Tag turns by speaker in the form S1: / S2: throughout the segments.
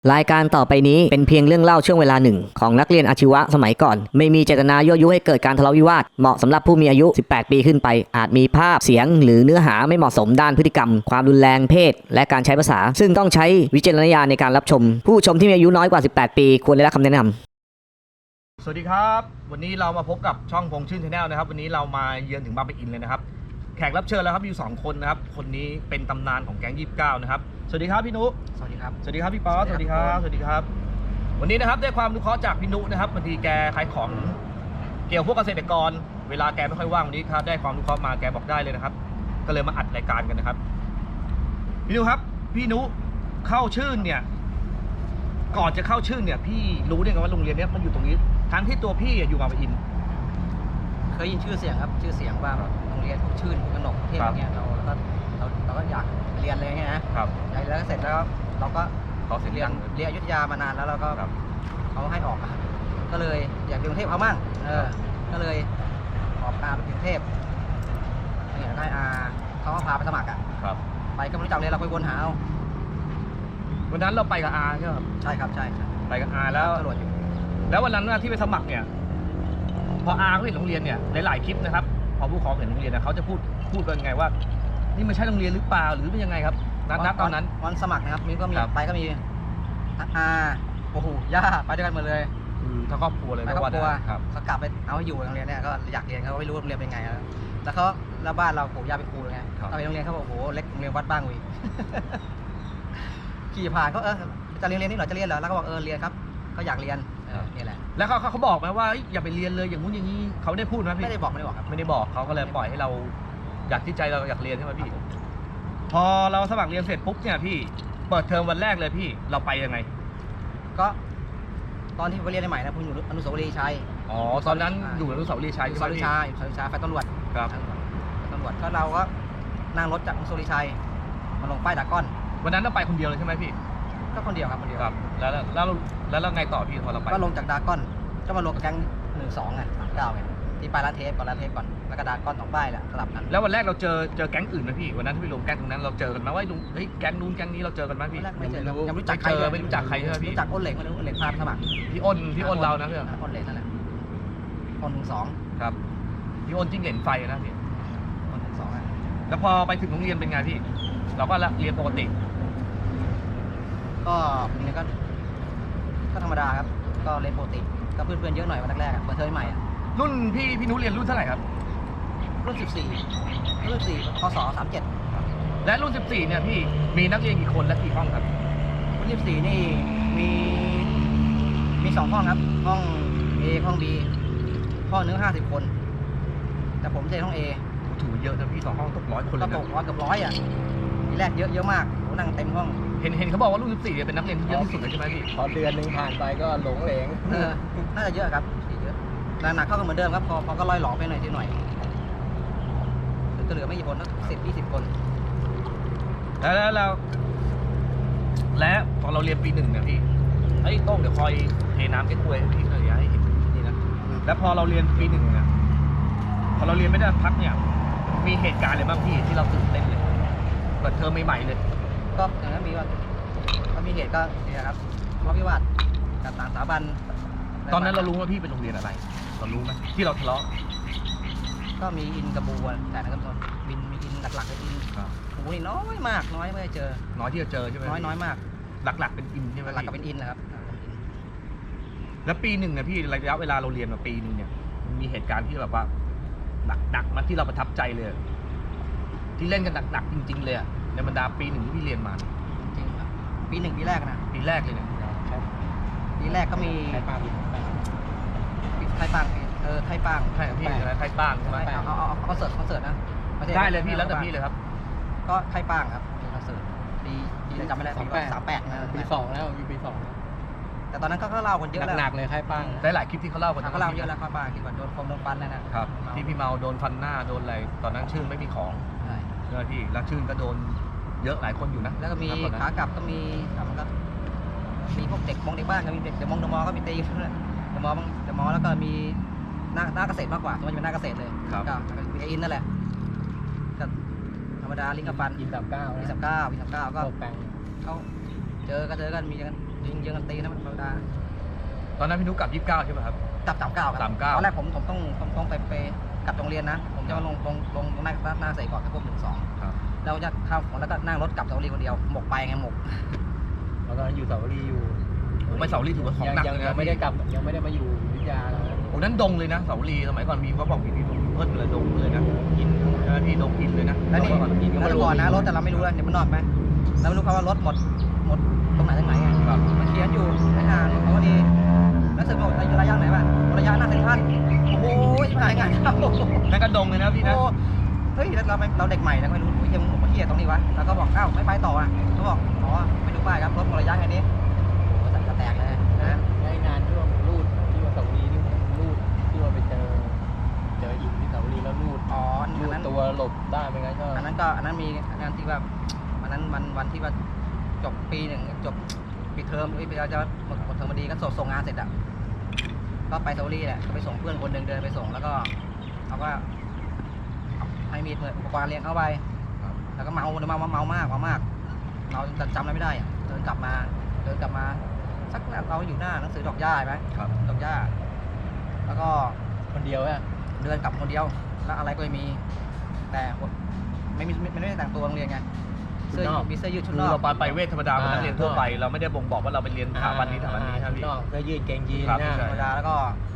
S1: รายการต่อไปนี้เป็นเพียงเรื่องเล่าช่วงเวลาหนึ่งของนักเรียนอาชีวะสมัยก่อนไม่มีเจตนายั่วยุให้เกิดการทะเลาะวิวาทเหมาะสำหรับผู้มีอายุ18 ปีขึ้นไปอาจมีภาพเสียงหรือเนื้อหาไม่เหมาะสมด้านพฤติกรรมความรุนแรงเพศและการใช้ภาษาซึ่งต้องใช้วิจารณญาณในการรับชมผู้ชมที่มีอายุน้อยกว่า18 ปีควรได้รับคำแนะนำ
S2: สวัสดีครับวันนี้เรามาพบกับช่องพงชื่นชาแนลนะครับวันนี้เรามาเยือนถึงบางปะอินเลยนะครับแขกรับเชิญแล้วครับอยู่2คนนะครับคนนี้เป็นตำนานของแก๊ง29นะครับสวัสดีครับพี่นุ
S3: สวัสดีครับ
S2: สวัสดีครับพี่ป๊อสสวัสดีครับสวัสดีครับวันนี้นะครับได้ความรู้เคราะห์จากพี่นุนะครับบางทีแกขายของเกี่ยวพวกเกษตรกรเวลาแกไม่ค่อยว่างวันนี้ครับได้ความรู้เคราะห์มาแกบอกได้เลยนะครับก็เลยมาอัดรายการกันนะครับพี่นุครับพี่นุเข้าชื่นเนี่ยก่อนจะเข้าชื่นเนี่ยพี่รู้ได้ไงว่าโรงเรียนนี้มันอยู่ตรงนี้ทั้งที่ตัวพี่อยู่บางปะอิน
S3: เคยยินชื่อเสียงครับชื่อเสียงว่าโรงเรียนชื่นกนกเทพเนี่ยเราก็อยากเรียนเลยไงนะครับแล้วเสร็จแล้วเราก็เรียนอยุธยามานานแล้วเราก็เขาให้ออกก็เลยอยากเรียนกรุงเทพเขามั่งก็เลยออกไปกรุงเทพเนี่ยได้เขาพาไปสมัครไปก็ไม่รู้จักเลยเราไปวนหาเอา
S2: วันนั้นเราไปกับอาใช่ไหมครับ
S3: ใช่ครับใช่
S2: ไปกับอาแล้วตำรวจอยู่แล้ววันนั้นที่ไปสมัครเนี่ยพออาเขาเห็นโรงเรียนเนี่ยหลายๆคลิปนะครับพอผู้ปกครองเห็นโรงเรียนนะเขาจะพูดกันไงว่านี่มันใช่โรงเรียนหรือเปล่าหรือเป็นยังไงครับนัดตอนนั้น
S3: วันสมัครนะครับมีไปก็มีโอ้โหย่าไปด้วยกันหมดเลย
S2: ทั้งครอบครัวเลย
S3: ไปครอบครัวเขากลับไปเอาให้อยู่โรงเรียนเนี่ยก็อยากเรียนเขาไม่รู้โรงเรียนเป็นไงแล้วเขาแล้วบ้านเราปู่ย่าเป็นครูเลยไงเอาไปโรงเรียนเขาบอกโอ้โหเล็กโรงเรียนวัดบ้างวิขี่ผ่านก็จะเรียนนี่หรอจะเรียนเหรอแล้วก็บอกเรียนครับเขาอยากเรียนนี่แหละ
S2: แล้วเขาบอกไหมว่าอย่าไปเรียนเลยอย่างงู้นอย่างนี้เขาได้พูดไหมพี่
S3: ไม่ได้บอกครับ
S2: ไม่ได้บอกเขาก็เลยปล่อยให้เราอยากที่ใจเราอยากเรียนใช่ไหมพี่พอเราสมัครเรียนเสร็จปุ๊บเนี่ยพี่เปิดเทอมวันแรกเลยพี่เราไปยังไง
S3: ก็ตอนที่ไปเรียนใหม่นะผมอยู่อนุสาวรีย์ชัย
S2: อ๋อตอนนั้นอยู่อนุสาวรีย์ชัย
S3: อนุสาวรีย์ชัยไฟตำรวจ
S2: ครับ
S3: ตำรวจก็เราก็นั่งรถจากอนุสาวรีย์ชัยมาลงป้ายดากอน
S2: วันนั้นเราไปคนเดียวเลยใช่ไหมพี่
S3: ก็คนเดียวครับคนเดียวครับ
S2: แล้วไงต่อพี่พอเราไป
S3: ก็ลงจากดากอนก็มาลงกับแก๊ง12ไง39ไงที่ไปร้านเทปก่อนแล้วก็ดากอน2ป้ายแหละสลับกัน
S2: แล้ววันแรกเราเจอแก๊งอื่นไหมพี่วันนั้นที่ไปลงแก๊งตรงนั้นเราเจอกันไหมว่าแก๊งนู้นแก๊งนี้เราเจอกันไหมพี่
S3: ไม่เจอยัง
S2: ไม่รู้จักใครไม่รู้จักใครใช่ไหมพี่
S3: รู้จักอ้นเหล็กไม่รู้อ้นเหล็กพาไปสมัคร
S2: พี่อ้นเรานะเพื่อน
S3: อ้นเหล็กนั่นแหละอ้น12
S2: ครับพี่อ้นจิ้งเหลนไฟนะพี่
S3: อ้น12
S2: แล้วพอไปถึงโรงเรียนเป็นไงพี่เราก็เรียนปกติ
S3: ก็เนี่ยก็ธรรมดาครับก็เรียนปกติก็เพื่อนเยอะหน่อยวันแรกเปิดเทอมใหม่
S2: รุ่นพี่นุ้เรียนรุ่นเท่าไหร่ครับ
S3: รุ่น14พศ37
S2: และรุ่น14เนี่ยพี่มีนักเรียนกี่คนและกี่ห้องครับ
S3: รุ่น14นี่มี2ห้องครับห้อง A ห้อง B ห้องนึง50 คนแต่ผมเรียนห้อง A
S2: ถือเยอะนะพี่2ห้องตก100 คนเลยนะ
S3: ก็ตก100กับ100ทีแรกเยอะมากโหนั่งเต็มห้อง
S2: เห็นเขาบอกว่ารุ่น14เนี่ยเป็นนักเรียนที่เยอะที่สุดเลยใช่ไหมพี่
S4: พอเดือนนึงผ่านไปก็หลงเหลง
S3: น่าจะเยอะครับเยอะหนักเข้ากันเหมือนเดิมครับพอก็ล่อยหลอกไปหน่อยทีหน่อยจะเหลือไม่กี่คนนะ10-20 คน
S2: แล้วตอนเราเรียนปี1เนี่ยพี่โต้งเดี๋ยวคอยเทน้ำแก้กล้วยพี่เคยให้เห็นนี่นะแล้วพอเราเรียนปี1เนี่ยพอเราเรียนไม่ได้พักเนี่ยมีเหตุการณ์อะไรบ้างพี่ที่เราตื่นเต้นเลยเปิดเทอมใหม่ๆเลย
S3: ก็อย่างนั้นมีเหตุก็เนี่ยครับทะเลาะวิวาทกับต่างสถาบัน
S2: ตอนนั้นเรารู้ว่าพี่เป็นโรงเรียนอะไรเรารู้ไหมที่เราทะเลาะ
S3: ก็มีอินกับบูแต่นะครับตอนมีอินหลักๆเป็นอินบูนี่น้อยมากน้อยไม่ได้เจอ
S2: น้อยที่จะเจอใช่ไหม
S3: น้อยมาก
S2: หลักๆเป็นอินใช่ไหม
S3: หลักๆเป็นอินนะครับ
S2: แล้วปี1เนี่ยพี่ระยะเวลาเราเรียนมาปี1เนี่ยมีเหตุการณ์ที่แบบว่าหนักมาที่เราประทับใจเลยที่เล่นกันหนักจริงๆเลยในบรรดาปี1ที่พี่เรียนมา
S3: จริงครับปี1ปีแรกนะ
S2: ปีแรกเลยเนี่ย
S3: ปีแรกก็มีไข่ปัง
S2: ไข่ปัง
S3: ใช่
S2: พี่อะไรไข่ปังใช่ไหม
S3: เอาคอนเสิร์ตนะ
S2: ได้เลยพี่แล้วแต่พี่เลยครับ
S3: ก็ไข่ปังครับคอนเสิร์ตปีจำไม่ได้38นะ
S4: ปี2แล้วปี2
S3: แต่ตอนนั้นก็เล่ากันเยอะแล้ว
S4: หนักเลยไข่ปัง
S2: ได้หลายคลิปที่เขาเล่ากัน
S3: เขาเล่าเยอะแล้วไข่ปังที่ว่าโดนฟัน
S2: นะครับที่พี่เมาโดนฟันหน้าโดนอะไรตอนนั้นชื่นไม่มีของใช่ไหมพี่แล้วชื่นก็โดนเยอะหลายคนอยู่นะ
S3: แล้วก็มีขากลับก็มีพวกเด็กบ้านก็มีเด็กมอก็มีตีเดมอแล้วก็มีหน้าเกษตรมากกว่ามันจะเป็นหน้าเกษตรเลยก็มีอินนั่นแหละก็ธรรมดาลิงกับฟัน
S4: อิน39ก็
S3: เขาเจอกันมีกันยิงเยอะกันตีนะมันธรรมดา
S2: ตอนนั้นพี่นุ๊กกลับ29ใช่ไหมครับ
S3: จับ39ครับ
S2: 39
S3: ตอนแรกผมต้องไปกลับโรงเรียนนะผมจะมาลงหน้าใส่ก่อนที่พวก1-2
S2: ครับ
S3: เราจะเข้าแล้วก็นั่งรถกลับสาวรีคนเดียวหมกไปไงหมก
S4: แล้วก็อยู่เสาวรีอยู่
S2: ผมไปเสาลีถือว่าของหนัก
S4: ยัง
S2: เลยนะ
S4: ไม่ได้กลับยังไม่ได้มาอยู่วิทยาแล้วนะ
S2: โอ้นั้นดงเลยนะเสาลีสมัยก่อนมีเขาบอกมีดงเพิ่นเลยดงเลยนะอินใช่ไหมพี่ดงอินเลยนะ
S3: แล้วนี่
S2: ก่อนอินก็
S3: แล้ว
S2: ไม่รู้
S3: ก่อนนะรถแต่เราไม่รู้แล้วเดี๋ยวมันนอกไหมเราไม่รู้เขาว่ารถหมดตรงไหนไง
S2: ครับ
S3: มันเขียนอยู่ในหางเขาดีแล้วสึกว่าระยะไหนบ้างระยะหน้าเซ็นทรัลโอ้ยชิบหายงานเข้า
S2: นั่นก็ดงเลยนะพี่นะ
S3: โอ้เฮ้ยเราเด็กใหม่นะไม่รู้เฮียมึงบอกว่าเฮียตรงนี้วะแล้วก็บอกอ้าวไม่ไปต่ออ่ะเขาบอกอ๋อไปดูป้ายครับรถหมดระยะแค่นี้โอ้ใส่กระแตกเลยนะ
S4: ได้งานที่ว่ารูดที่ว่าเสาวรีที่ผมรูดที่ว่าไปเจออินที่เสาวรีแล้วรูด
S3: อ๋อ
S4: รู
S3: อัน
S4: ด
S3: นั้น
S4: ตัวหลบได้ไหมงั้นก็
S3: อันนั้นมีอันนั้นที่ว่าอันนั้นวันที่ว่าจบปีหนึ่งจบปิดเทอมเราจะหมดเทอมพอดีก็ส่งงานเสร็จอ่ะก็ไปเซาลี่แหละก็ไปส่งเพื่อนคนหนึ่งเดินไปส่งแล้วก็เขาก็ให้มีดเหมือนอุปกรณ์เรียนเข้าไปแล้วก็เมามากเราจำอะไรไม่ได้อ่ะเดินกลับมาสักเราอยู่หน้าหนังสือดอกหญ้าไหม
S2: ครับ
S3: ดอกหญ้าแล้วก็
S4: คนเดียวอะ
S3: เดินกลับคนเดียวแล้วอะไรก็ไม่มี แต่ไม่ได้แต่งตัวโรงเรียนไงมีเสื้อยืดชุด
S2: คื
S3: น
S2: อ
S3: อก
S2: เราไปเวทธรรมดาเป็นนักเรียนทั่วไปเราไม่ได้บ่งบอกว่าเราไปเรียนสถาบันนี้สถาบันนี้ครับพี่
S4: นอกเสื้อยืดเกงยีน
S2: ครับ
S4: นะ
S2: ใช่
S3: ธรรมดาแล้วก็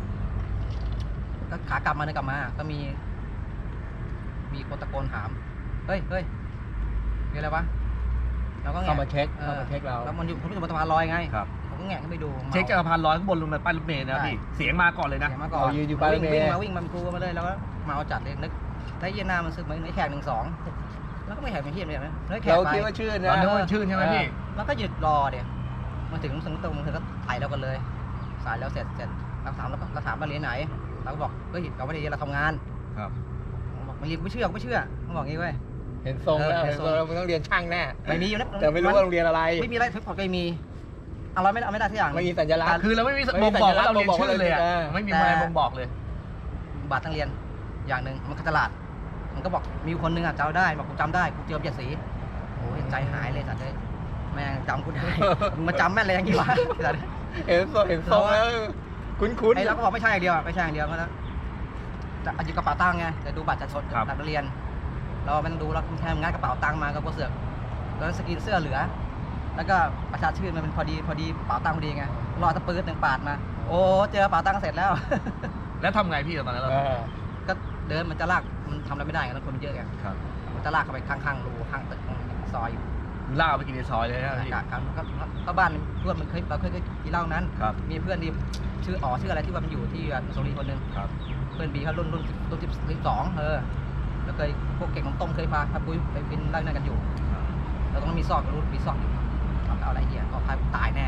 S3: ขากลับมาเดินกลับมา ก็มีคนตะโกนถามเฮ้ยมีอะไรวะเราก็แงะ
S4: เข้ามาเช็คเรา
S3: แล้วมันอยู่ผมอยู่บนสะพานลอยไง
S2: ครับ
S3: ผมก็แงะขึ้นไปดู
S2: เช็คจากสะพานลอยข้างบนลงมาป้ายรถเมล์นะพี่เสียงมาก่อนเลยนะ
S3: เสียงมาก่อน
S4: ยืนอยู่ป้ายรถเมล์
S3: วิ่งมาครูมาเลยแล้วก็มาเอาจัดเลยนึกถ้าเย็นหน้ามันซึกเหมือนไอ้แขก1-2แล้วก็ไม่แขกเป็นเฮียเลยนะแล้วแขก
S4: เรา
S3: ไป
S4: คิดว่าชื่อ
S2: ตอน
S4: นะ
S2: นึกว่าชื่นใช่ไหมพี่
S3: แล้วก็หยุดรอเดี๋ยวมาถึงตรงเธอก็ถ่ายเรากันเลยสายแล้วเสร็จเราถามเราเรียนไหนเราก็บอกเฮ้ยเราไม่ได้เรียนเราทำงาน
S2: ครับ
S3: บอกไม่เรียนไม่เชื่อเขาบอกงี้เว้ย
S4: เห็นทรงแล้ว
S3: เห็
S4: เห็
S3: น
S4: น
S3: ท
S4: ท
S3: ร
S4: รง งแล้วมันต้องเรียนช่างแน่
S3: ไม่มีอยู่นะ
S4: แต่ไม่รู้ว่าโรงเรียนอะไร
S3: ไม่มีอะไรทุกคนไม่มีเอาไม่ได้ทุกอย่าง
S4: ไม่มีสัญลักษณ์
S2: คือเราไม่มีบ่งบอกว่าเราเรียนชื่อเลยอะไม่มีอะไรบ่งบอกเลย
S3: บัตรนักเรียนอย่างหนึ่งมันตลาดมันก็บอกมีคนนึงอ่ะจำได้บอกกูจำได้กูเจอเบียดสีโอ้ยใจหายเลยสัตว์เลยแม่งจำกูได้มึงมาจำแม่นอะไรอย่างงี้วะสัตว์
S4: เห็นทรงแล้วคุ้น
S3: ไอ้เราก็บอกไม่ใช่อย่างเดียวไม่ใช่อย่างเดียวก็แล้วจะหยิบกระเป๋าตังค์ไงจะดูบัตรจะชดบัตรนักเรียน เราไม่ต้องดูเราแค่งัดกระเป๋าตังค์มาก็เสือกแล้วสกรีนเสื้อเหลือ แล้วก็ประชาชื่นมันเป็นพอดีกระเป๋าตังค์พอดีไงรอตะปื๊ดหนึ่งปาดมาโอ้เจอกระเป๋าตังค์เสร็จแล้ว
S2: แล้วทำไงพี่ตอนนั้นเรา
S3: ก็เดินมันจะลากมันทำอะไรไม่ได้ไงแล้วคนมันเยอะไง
S2: ครับ
S3: มันจะลากเข้าไปข้างๆรูข้างตึกซอยอยู่
S2: ล่าไปกินในซอยเลยนะพี่
S3: ก็บ้านเพื่อนมันเราเคยกินเหล้านั้น
S2: ครับ
S3: มีเพื่อนที่ชื่ออะไรที่ว่ามันอยู่ที่โซลีคนหนึ่ง
S2: ครับ
S3: เพื่อนบีเขารุ่น12แล้วเคยพวกเก่งของต้มเคยพาปุ้ยไปกินเหล้านั่นกันอยู่แล้วตรงนั้นมีซอกมีซอกอยู่เอาอะไรเหี้ยก็พายตายแน่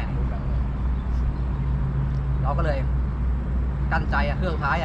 S3: เราก็เลยกั้นใจเครื่องสุดท้าย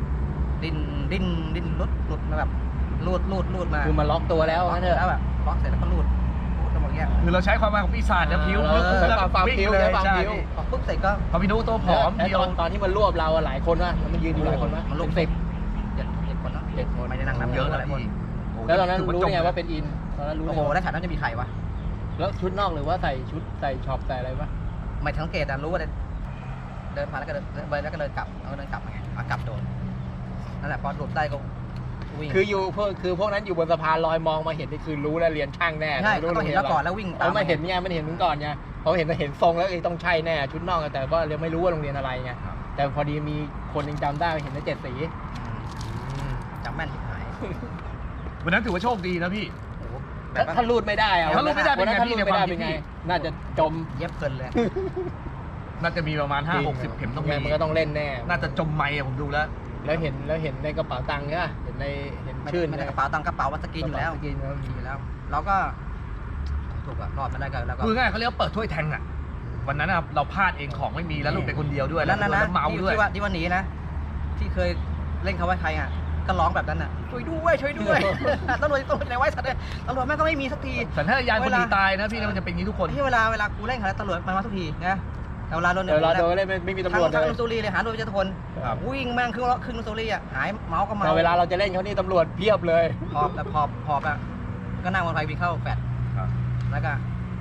S3: ดิ้นหลุดมาแบบลูดมา
S4: คือมาล็อกตัวแล้วงั้นเถอะ
S3: แล้วแบบล็อกเสร็จแล้วก็ลูดแล้วบอกเงี้ย
S2: คือเราใช้ความหมายของปีศาจนะพิ้ว
S4: ใช้ความพิ้ว
S2: เลย
S4: ใช้ความ
S2: ใช่
S4: พิ้ว
S3: พอปุ๊บเสร็จก็
S2: พอพี่นุตัวผอม
S4: แล้ว
S2: เดียว
S4: ตอนที่มันรวบเราหลายคนวะมันยืนอยู่หลายคนวะ
S3: มันลูก
S4: 10
S3: 7 คนเนาะ
S4: 7 คน
S3: ไม่ได้นั่งนับ
S2: เยอะ
S3: ห
S2: นะ
S3: ลายคน
S2: พี่
S4: แล้วตอนนั้นรู้ไงว่าเป็นอินตอนนั้นรู้
S3: โอ้โหแล้วแถวนั้นจะมีใครวะ
S4: แล้วชุดนอกหรือว่าใส่ชุดใส่ช็อปใส่อะไรปะ
S3: ไม่สังเกตรู้ว่าเดินผ่านแล้วก็เดินแล้วก็เดินกลับแล้วก็เดินกลับกลับโดนนั่นแหละพอหลุดได้ก็วิ่ง
S4: คือพวกนั้นอยู่บนสะพานลอยมองมาเห็นนี่คือรู้แล้วเรียนช่างแน่
S3: ใช่
S4: รู้
S3: ต้องเห็นแล้วก่อนแล้ววิ่งตาม
S4: เขาไม่เห็นไงมันเห็นมึงก่อนไงเขาเห็นทรงแล้วต้องใช่แน่ชุดนอกแต่ว่ายังไม่รู้ว่าโรงเรียนอะไรไงแต่พอดีมีคนยังจำได้เห็นใน7 สี
S3: จำแม่นที่หาย
S2: วันนั้นถือว่าโชคดีนะพี่
S3: โอ้โห
S4: ถ้ารูดไม่ได้อะ
S2: ถ้ารูดไม่ได้เป็นไง
S4: ถ้า
S2: พี่
S4: รูดไม่ได้เป็นไง
S2: ในความคิดพี่
S4: น่าจะจม
S3: เย็บเพลินเลย
S2: น่าจะมีประมาณ5-60 เข็มต้องมี
S4: มันก็ต้องเล่นแน่
S2: น่าจะจมไม้ผมดูแล้ว
S4: แล้วเห็นในกระเป๋าตังค์เนี่ยเห็นชื่น
S3: ไม่ได้กระเป๋าตังค์กระเป๋าวัตกินอยู่แล้ว
S4: สกินแล้ว
S3: อยู่แล้ว เราก็ถูกอะรอดมาได้กันแล้วก็
S2: คือง่ายเขาเรียกว่าเปิดถ้วยแทงอะวันนั้นอะเราพลาดเองของไม่มีแล้วลูกเป็นคนเดียวด้วย
S3: นั่นนะ
S2: แล้วเมาด้วย
S3: ที่ว่าหนีนะที่เคยเล่นเขาไว้ใครอ่ะก็ร้องแบบนั้นอ่ะช่วยด้วยตำรวจไหนไว้สัตว์เลยตำรวจแม่งก็ไม่มีสักที
S2: สัญชาตญาณคนหนีตายนะพี่มันจะเป็นอย่างนี้ทุกคน
S3: ที่เวลากูเล่นเขาตำรวจมาทุกทีนะแต่เวลาโดน
S4: เวลาโดนเล่นไม่มีตำรวจเล
S3: ทั้ง
S4: ย
S3: นุซูรีเลยหาโดนเจ้าทุกคนวิ่งแม่งครึ่งนุซูรีอ่ะหายเมาก็เมา
S4: แต่เวลาเราจะเล่นเขานี่ตำรวจเพียบเลย
S3: พอบอ่ะก็นั่งบนไฟวิ่งเข้าแฟดแล้วก็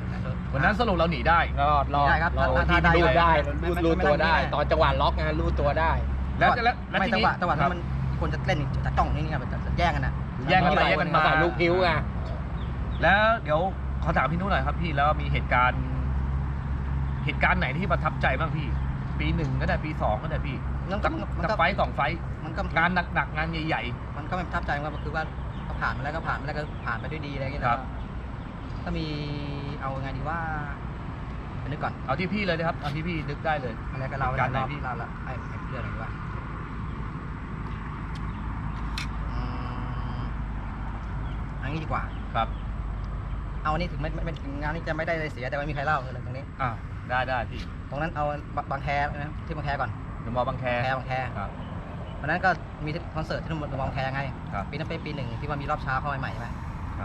S2: วันนั้นสรุปเราหนีได้
S4: รอด
S3: ได้ครับ
S4: เรา
S3: ถ้า
S4: ที่
S3: ได้
S4: รูดได้
S3: ไม่
S4: รูดตัว
S3: ไม่
S4: ได้
S3: ไม่
S4: ตอนจังหวะล็อกไงรูดตัวได้
S2: แล้วที
S3: ไม่
S2: นี้
S3: จังหวะนั้นมันคนจะเล่นจะจ้องนี่ครับจะแย่งกันนะ
S2: แย่งกันไปแย่งกันมา
S4: ใส่ลูกพิ้วไง
S2: แล้วเดี๋ยวขอถามพี่นุ้ยหน่อยครับพี่แล้วมีเหตุการณ์ไหนที่ประทับใจบ้างพี่ ปี 1ก็ได้ปี 2ก็ได้พี่
S3: มันก็
S2: กับไฟต์2 ไฟต์
S3: มันก็
S2: งานหนักๆงานใหญ่
S3: มันก็ไม่ประทับใจว่าคือว่าก็ผ่านมาแล้วก็ผ่านมาแล้วก็ผ่านไปด้วยดีอะไรอย่างเงี้ย
S2: ครับ
S3: ถ้ามีเอาไงดีว่าไปนึกก่อน
S2: ๆเอาที่พี่เลยนะครับเอาที่พี่นึกได้เลย
S3: อะไรก็เรา
S2: การไหน
S3: เรา
S2: พี่
S3: เราละไอ้เรื่องอะไรดีวะอืมอันนี้ดีกว่า
S2: ครับ
S3: เอาอันนี้ถึงไม่ถึงงานนี้จะไม่ได้เลยเสียแต่ว่ามีใครเล่าเลยตรงนี้
S2: ได้พี่
S3: ตรงนั้นเอาบางแคนะที่บางแคก่อน
S2: เดี๋ยวมอบางแค
S3: บางแค
S2: ครับ
S3: วันนั้นก็มีคอนเสิร์ตที่บางแคไง
S2: ครับ
S3: ปีนั้นเป็นปี 1ที่ว่ามีรอบเช้าเข้ามาใหม่ใช่ไหม
S2: ครับ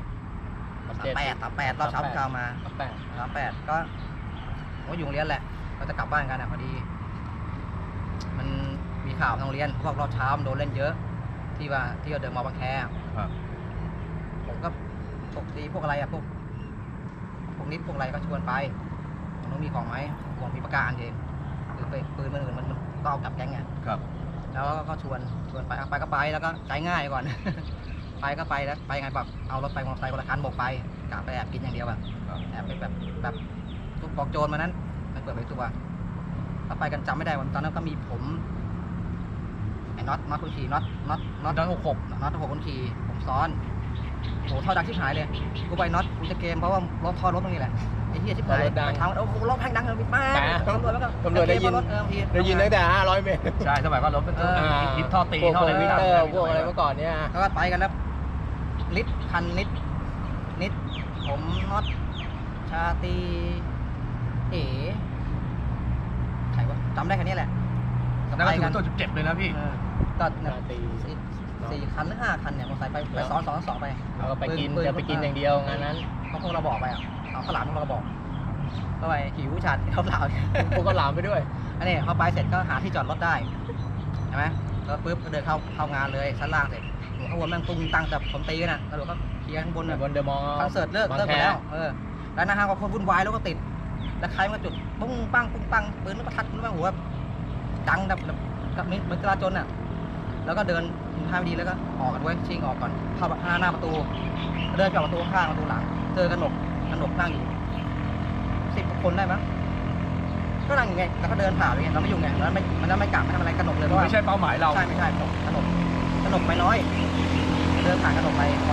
S3: 38รอบเช้าเช้ามา 38ก็ผมก็อยู่โรงเรียนแหละก็จะกลับบ้านกันพอดี มันมีข่าวทางโรงเรียนพวกรอบเช้ามันโดนเล่นเยอะ ที่ว่าที่เดินมาบางแค
S2: ครับ
S3: ผมก็ปกติพวกอะไรพวกนิดพวกอะไรก็ชวนไปมันมีของไหมผมมีประกาศเองคือปืนมันอื่นมันก็เอากลับแก๊งไง
S2: ครับ
S3: แล้วก็ชวนไปไปก็ไปแล้วก็ใจง่ายก่อน ไปก็ไปแล้วไปไงแบบเอารถไปมอเตอร์ไซค์คนละคันบอกไปกะไปแอบกินอย่างเดียวแบบ
S2: ครับ
S3: แอบไปแบบทุกกองโจรมานั้นไปเปิดไปตัวถ้าไปกันจำไม่ได้วันตอนนั้นก็มีผมไอ้น็อตคนขี่น็อต
S2: ตอน66
S3: น็อต6คนขี่ผมซ้อนโหท่อดังชิบหายเลยกูไปน็อตกูจะเกมเพราะว่ารถท่อรถตรงนี้แหละไอ้เหี้ยชิบหาย
S4: รถดัง
S3: ทางโอ้โหรถแพงดังเลยมาก
S4: แต่
S3: ตำรวจแล้วก็
S4: ตำรวจได้ยิน ได้ยินตั้งแต่500 เมตร
S2: ใช่สมัยก่อนรถเป็นฮิตท่อตี
S4: พวก
S2: ท่ออะไร
S4: วิ
S2: ไม่
S4: เต
S2: ได้
S4: อร์พวกอะไรเมื่อก่อนเนี่ย
S3: แล้วก็ไปกันแล้วลิตคันนิดผมน็อตชาตีเอ๋ใครวะจำได้แค่นี้แหละ
S2: นั่นก็ถือว่าตัวเจ็บเลยนะพี่
S3: ก็
S4: ชาตรี
S3: สี่คันหรือ5 คันเนี่ยมอเตอร์ไซค์ไปซ้อนไป
S4: เราก็ไปกินจะไปกินอย่างเดียวงานนั้น
S3: เขาพวกเราบอกไปเอาข้าวหลามพวกเราบอกก็ไปหิวฉัดข้าวหลาม
S4: พวกก็หลามไปด้วย
S3: อันนี้เขาไปเสร็จก็หาที่จอดรถได้ใช่ไหมแล้วปุ๊บก็เดินเข้างานเลยชั้นล่างเสร็จหัวข้างบนแม่งตุ้งตั้งแต่ผมตีกันนะแล้วก็เคลียร์ข้างบน
S4: บนเดอะมอลล์
S3: คอนเสิร์ตเลิกไปแล้วแล้วนะฮะก็คนวุ่นวายแล้วก็ติดแล้วใครมาจุดปุ้งปังปืนมันประทัดมันแบบหัวดังแบบเหมือนจราจรน่ะแล้วก็เดินทางดีแล้วก็ออกกันไว้ชิงออกก่อนเข้าหน้าประตูเดินไปออกประตูข้างประตูหลังเจอกระหนกนั่งอยู่10 คนได้มั้งก็นั่งอย่างเงี้ยแล้วก็เดินผ่านอย่างเงี้ยเราไม่อยู่ไงแล้วมันไม่กลับไม่ทำอะไรกระหนกเลยเพราะว่า
S2: ไม่ใช่เป้าหมายเรา
S3: ใช่ไม่ใช่กระหนกไปน้อยเดินผ่านกระหนกไปก่อน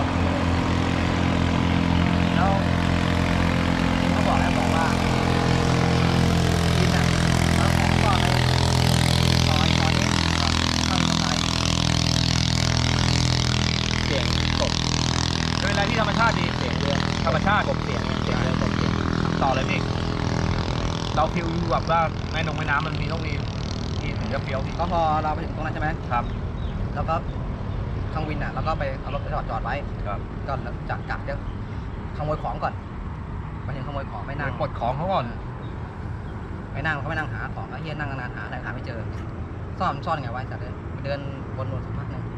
S3: แล้วเขาบอกว่ากินอ่ะแล้วของก็ไปซอยนี้เข้าไป
S4: เสียงกบ
S2: เป็นอะไรที่ธรรมชาติดี
S4: เสียงเรือ
S2: ธรรมชาติ
S4: กบเสียงเรือกบเสียง
S2: ต่อเลยพี่เราฟิลแบบว่าแม่น้ำมันมีต้องมีถึงจะเฟี้ยวพี่
S3: ก็พอเราไปถึงตรงนั้นใช่ไหม
S2: ครับ
S3: แล้วก็ทางวินอ่ะเราก็ไปเอารถไปจอดไว้
S2: ครับ
S3: ก็จะกะจะขโมยของก่อนไปถึงขโมยของไม่นั่ง
S2: ปลดของเขาก่อน
S3: ไม่นั่งเขาไม่นั่งหาของแล้วเฮียนั่งนานหาอะไรหาไม่เจอซ่อนไงวะจัดเลยเดินวนสักพักหนึ่ง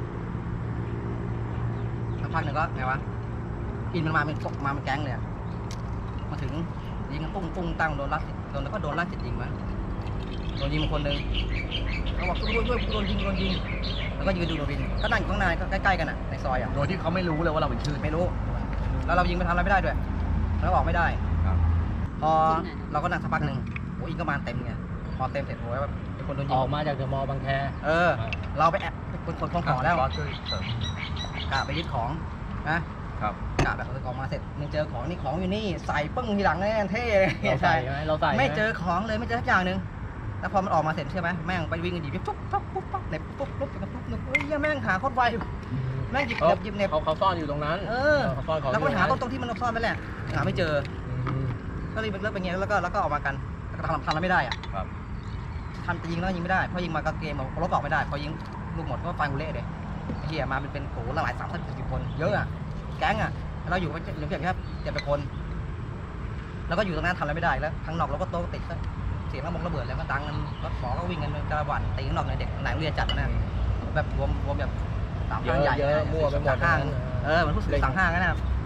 S3: ก็ไงวะอินมันมาเป็นแก๊งเลยมาถึงยิงกันปุ้งตั้งโดนแล้วก็โดนลักจิตยิงมาโดนยิงคนหนึ่งเขาบอกช่วยโดนยิงแล้วก็ยืนดูโดนยิงก็นั่งอยู่ข้างในก็ใกล้ๆกันอ่ะในซอยอ่ะ
S2: โดยที่เขาไม่รู้เลยว่าเราเป็นชื่อ
S3: ไม่รู้แล้วเรายิงไปทำอะไรไม่ได้ด้วยแล้วออกไม่ได้
S2: ครับ
S3: พอเราก็นั่งสักพักหนึ่งโอ้ยก็มาเต็มไงพอเต็มเสร็จโอ้ยแบบเป็นคนโดนยิ
S4: อง อกมาจากเดอะมอลล์บางแค
S3: เราไปแอบเป็นคนของแล้ว
S2: ก็ช่วยเสริม
S3: กะไปยึดของนะครับ กะแบบเอาของมาเสร็จมึงเจอของนี่ของอยู่นี่ใส่ปึ้งทีหลังแน่เท่เลย
S4: เราใส่ไหมเราใส่
S3: ไม่เจอของเลยไม่เจอสักอย่างหนึ่งแล้วพอมันออกมาเสร็จใช่ไหมแม่งไปวิ่งกันหยิบปุ๊บเน็บปุ๊บเฮ้ยแม่งหาโคตรไวแม่งหยิบเน็บ
S4: เขาซ่อนอยู่ตรงนั้นเขาซ่อนของ
S3: แล้วก็ไปหาตรงที่มันซ่อนไปแหละหาไม่เจอก็เลยเลิกไปเงี้ยแล้วก็ออกมากันทำอะไรไม่ได้อ่ะ
S2: ครับ
S3: ทำจะยิงแล้วยิงไม่ได้พอยิงมาก็เกมรถออกไม่ได้พอยิงลูกหมดก็ไฟกูเละเลยเฮียมาเป็นโหหลาย30-40 คนเยอะอ่ะแก๊งอ่ะเราอยู่กันเหลือเพียงแค่7 คนแล้วก็อยู่ตรงนั้นทำอะไรไม่ได้แล้วข้างนอกเราก็โต๊ะติดเสียงระเบิดแล้วก็ดังกันรถหมอก็วิ่งกันกระหว่ำตีข้างนอกในเด็กหลังเรียนจัดนะแบบรวมแบบ3 ห้างใหญ่
S4: เยอะมั่วไปหมด
S3: ห้างเหมือนผู้สื่อสั่งห้างนะครับ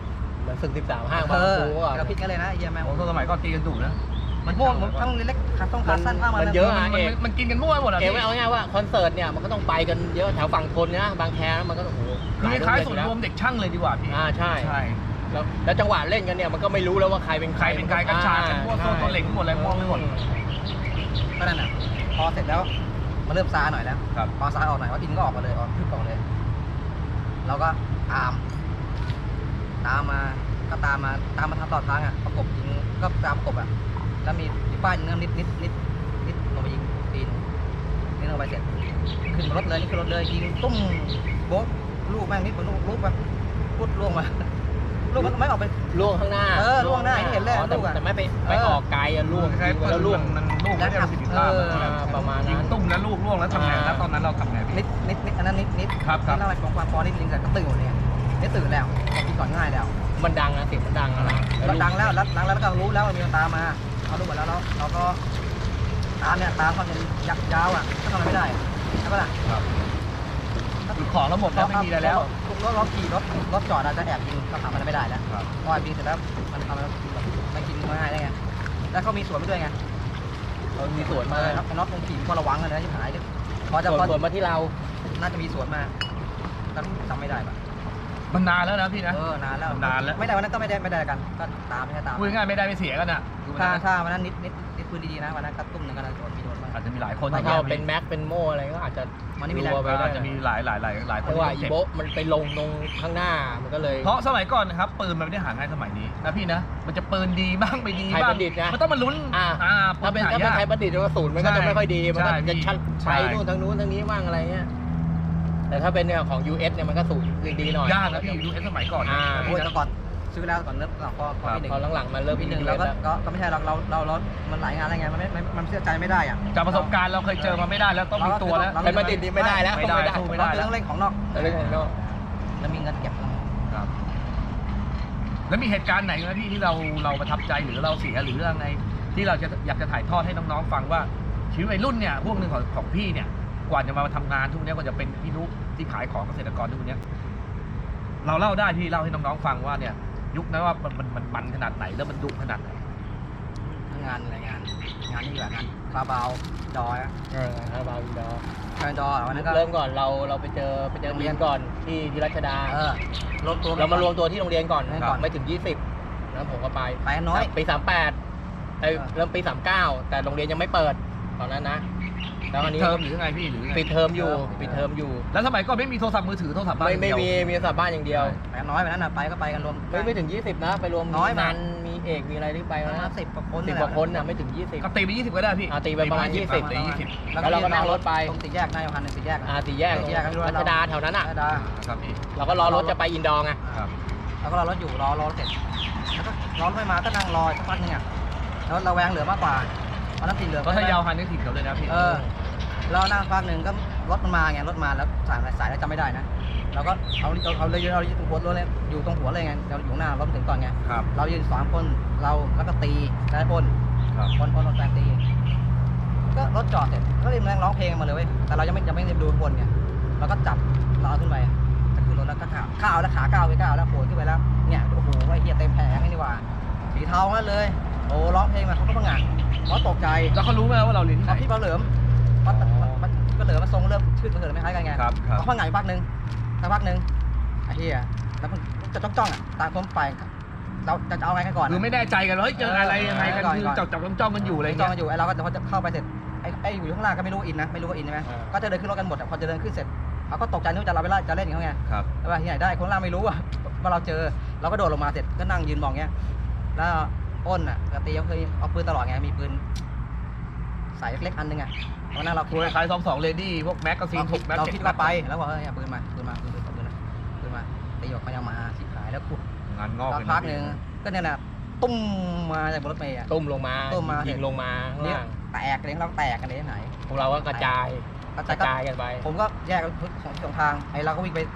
S4: เหมือนศึก13ห้าง
S3: เอ
S4: มา
S3: อ
S4: ปูอ่ะ
S3: เราคิดกันเลยนะไอ้เหี้ยแม่ง
S2: โอ้โหสมัยก่อนตีกันดุนะ
S3: มันม่วงทั้งเล็กขาต้องขาสั้นผ้ามัน
S4: เยอะ
S2: มันกินกันมั่วหมดอ่ะ
S4: เก
S2: พี่
S4: ไม่เอาง่ายๆว่าคอนเสิร์ตเนี่ยมันก็ต้องไปกันเยอะแถวฝั่งทนนะบางแคมันก็โอ้โห
S2: คือคล้ายๆศูนย์รวมเด็กช่างเลยดีกว่าพี่
S4: ใช่
S2: ใช่
S4: แล้วจังหวะเล่นกันเนี่ยมันก็ไม่รู้แล้วว่าใครเป็น
S2: ใครเป็นใครกันชากันมั่วตัวเหล็กหมดเลยมั่วไปหมด
S3: ก็นั่นน่ะพอเสร็จแล้วมาเริ่มซาหน่อยแล้ว
S2: ครับ
S3: พอซาออกหน่อยว่าอินก็ออกมาเลยออกขึ้นออกเลยเราก็ตามมาทำต่อทางอ่ะประกบยิงก็ตามประกบอ่ะแล้วมีป้ายยิงนิดลงไปยิงตีนนี่ลงไปเสร็จขึ้นรถเลยนี่ขึ้นรถเลยยิงตุ้มโบ๊ะลูกแม่งนิดลูกแบบพุดล่วงมาลูกมันไม่ออกไป
S4: ล่วงข้างหน้า
S3: ล่วงหน้าที่เห็นเลยลูกอ่ะ
S4: แต่ไม่ไปออกไกลอะล่วง
S2: คล้ายๆ
S4: แล้วล่วง
S2: มันลูกไม่ได้ประสิทธิภาพ
S4: ประมาณนั้น
S2: ยิงตุ้มแล้วลูกล่วงแล้วทำไงแล้วตอนนั้นเราทำไงพี่
S3: นิดอันนั้นนิด
S2: ครับ
S3: นี่อะไรของความพอนิดนึงแต่ก็ตื่นหมดเลยนี่ตื่นแล้วกินก่อนง่ายแล้ว
S4: มันดังนะเสียงมันดังนะ
S3: เราดังแล้วก็รู้แล้วมีตามมาเขารู้หมดแล้วเราก็ตามความยาวอ่ะก็ทำอะไรไม่ได้ใช่ปะล่ะ
S2: คือของเราหมดแล้วไม่มีอะไรแล้ว
S3: เราขี่รถจอดเราจะแอบยิงเขาทำอะไรไม่ได้แล้ว
S2: ครับ
S3: พอยิงเสร็จแล้วมันทำอะไรมันกินง่ายได้ไงแล้วเขามีสวนไปด้วยไง
S4: เรามีสวนมา
S3: ครับน็อตตรงขี่ก็ระวังกันนะที่หายพอจะ
S4: สวนมาที่เรา
S3: น่าจะมีสวนมาจำไม่ได้ปะ
S2: มันนานแล้วนะพี่นะ
S3: นานแล้ว
S2: นานแล้ว
S3: ไม่ได้วันนั้นก็ไม่ได้กันก็ตามไม่ใช่ตาม
S2: พูดง่ายๆไม่ได้ไม่เสียกันอ่ะ
S3: ถ้าวันนั้นนิดปืนดีๆนะวันนั้นก็ตุ้มหนึ่งก็โดนมีโดนบ้าง
S2: อาจจะมีหลายคน
S4: ถ้าเราเป็นแม็กเป็นโม่อะไรก็อาจจะ
S3: มันนี่มีแรง
S4: รัวไปได้
S2: อาจจะมีหลายคน
S4: เพราะว่าอี
S2: ที่เจ็บ
S4: โบะมันไปลงตรงข้างหน้ามันก็เลย
S2: เพราะสมัยก่อนนะครับปืนมันไม่ได้หาง่ายสมัยนี้นะพี่นะมันจะปืนดีบ้างไม่ดี
S4: ไทย
S2: บ้า
S4: ป
S2: ง
S4: ระดิษฐ์นะ
S2: มันต้องมาลุ้น
S4: ถ้าเป็น
S2: หยก
S4: ไทยประดิษฐ์กระสุนมันก็จะไม่ค่อยดีมันก็
S2: ใช่
S4: จะชัด
S2: ใช่
S4: ไปนู่นทางนู้นทางนี้บ้างอะไรเงี้ยแต่ถ้าเป็นเนี่ยของ US เนี่ยมันก็สูงดีหน่อย
S2: ยากนะพี่ดูสมัยก่อน
S3: โอ้ยแต่ก่อนซื้อแล้วก่อนเริ่มพอปีหนึ่ง
S4: พอหลังๆมาเริ่ม
S3: ปีหนึ่ง
S4: อิน
S3: เรา
S4: เทอร์เน็ตแล้ว
S3: ก็ไม่ใช่เรามันหลายงานอะไรไงมันเชื่อใจไม่ได้อ่ะ
S2: จากประสบการณ์เราเคยเจอมาไม่ได้แล้วต้องมีตัวแล้ว
S4: ไทยประดิษฐ์นี่ไม่ได้แล้ว
S2: ไม่ได้สู้ไม่ได้
S3: เราต้องเล่นของนอก
S4: เรื่องของนอก
S3: แล้วมีเงินเก็บ
S2: ครับแล้วมีเหตุการณ์ไหนไหมพี่ที่เราประทับใจหรือเราเสียหรือเรื่องไงที่เราจะอยากจะถ่ายทอดให้น้องๆฟังว่าชีวิตวัยรุ่นเนี่ยพวกหนึ่งของพี่เนี่ยกว่าจะมาทำงานทุกเนี้ยกว่าจะเป็นพี่นุ๊กที่ขายของเกษตรกรทุกเนี้ยเราเล่าได้พี่เล่าให้น้องๆฟังว่าเนี่ยยุคนั้นว่ามันขนาดไหนแล้วมันดุขนาดไหน
S3: งานอะไรงานนี่แหละงานคาบาวดอยอ่ะ
S4: คาราบาวอินดอร์
S3: คาบาวดอยวันนั้นก็
S4: เริ่มก่อนเราไปเจอโรงเรียนก่อนที่รัชดา
S3: รวมตัว
S4: เรามารวมตัวที่โรงเรียนก่อน
S3: ก่อน
S4: ไม่ถึง 20แล้วผมก็ไป
S3: ไปน้อย
S4: ปี 38เริ่มปี 39แต่โรงเรียนยังไม่เปิดตอนนั้นนะแล้วอันนี้
S2: เทอมหรือไงพี่หรือไง
S4: ปิดเทอมอยู่
S2: แล้วสมัยก่อนไม่มีโทรศัพท์มือถือโทรศัพท์บ้าน
S4: ไม่
S2: อย่างเดียว
S4: มีโทรศัพท์บ้านอย่างเดียว
S3: ไปน้อยวันนั้นน่ะไปก็ไปกันรวม
S4: ไม่ถึง 20นะไปรวม
S3: น้อยมาก
S4: นันมีเอกมีอะไรที่ไป
S3: ประมา
S4: นะ
S3: ณ10 กว่าคน
S4: 10 กว่าคนน่ะไม่ถึง 20
S2: ก็ตีไป20ก็ได้พี่
S4: ตีไปประมาณ 20
S2: ตี20
S4: แล้วเราก็นั่งรถไป
S3: ตรงสี่แยกนายพันธ์สี่แยก
S4: สี่แยก
S3: สี่แยกก็ไม่รู้ว่า
S4: รัชดาแถวนั้นอ่ะ
S3: รัชดา
S2: ครับพี่
S4: เราก็รอรถจะไปอินดอร์ไง
S2: ครับ
S3: แล้วก็รอรถอยู่รอเสร็จแล้วก็รอรถไม่มาก็นั่งรอสักพักนึงอ่ะแล้วเราแวงเหลือมากกว่าตอนนั้นติดเหลือ
S2: ก็ถ้ายาวหันนึกถึงเขาเลยนะพี่
S3: เรานั่งพักหนึ่งก็รถมันมาไงรถมาแล้วสายแล้วจำไม่ได้นะเราก็เอาเลยเราอยู่ตรงหัวรถเลยอยู่ตรงหัวเลยไงเราอยู่หน้ารถถึงก่อนไง
S2: ครับ
S3: เรายืน3 คนเราแล้วก็ตีได้พ่น
S2: ครับ
S3: พ่นแฟนตีก็รถจอดเสร็จก็เรียกร้องเพลงมาเลยเว้ยแต่เรายังไม่ได้ดูบนไงเราก็จับเราเอาขึ้นไปก็คือรถแล้วก็ข้าวแล้วขาก้าวไปก้าวแล้วโผล่ขึ้นไปแล้วเนี่ยโอ้โหไอ้เหี้ยเต็มแผงนี่ว่าสีเทานั่นเลยโอ้ร้องเพลงมาเขาก็พังงะเขาตกใจ
S2: แล้วเขารู้ไหมว่าเราเรียนที่ไหน
S3: พี่เปาเหลิมมันก็เหลิมมาทรงเริ่มชื่อมันเหลิมไม่คล้ายกันไง
S2: ครับครับ
S3: เขาพังงะอยู่พักหนึ่งสักพักหนึ่งไอ้เหี้ยแล้วมันจะจ้องอ่ะตามผมไปเราจะเอาไงกันก่อน
S2: คือไม่แน่ใจกันว่าเฮ้ยเจออะไรยังไงกันคือจับจ้องกันอยู่อะไร
S3: จ้อง
S2: เงี้ย
S3: กันอยู่ไอ้เราก็พอจะเข้าไปเสร็จไอ้อยู่ข้างล่างก็ไม่รู้อินนะไม่รู้ว่าอินใช่ไหมก็จะเดินขึ้นรถกันหมดพอจะเดินขึ้นเสร็จเขาก็ตกใจนึกว่าจะเราไปไล่จะเล่นอย่างเงี้ย
S2: ครับ
S3: แล้วว่าที่ไหนได้คนล่างไม่รู้ว่าเราเจอเราก็โดดลงมาเสร็จก็นั่งยืนมองเงี้ยแล้วอ้นอ่ะกตีเขาเคยเอาปืนตลอดไงมีปืนใส่เล็กๆอันนึงอ่ะวันนั้นเรา
S2: คุยคล้าย22เลดี้พวกแม็กกาซีน6แม็ก
S3: เราคิดว่าไปแล้วบอกปืนมาตีออกมายังมาสิขายแล้วขุด
S2: งานงอก
S3: สักพักหนึ่งก็เนี่ยนะตุ้มมาจากบนรถเมย์
S4: ตุ้มลงมา
S3: ยิงลงมา
S4: ข้าง
S3: เนี่ย
S4: ล่าง
S3: แตกเลยเราแตกกันเลยไหน
S4: พวกเราก็กระจายกันไป
S3: ผมก็แยกกันสองทางไอ้เราก็วิ่งไปป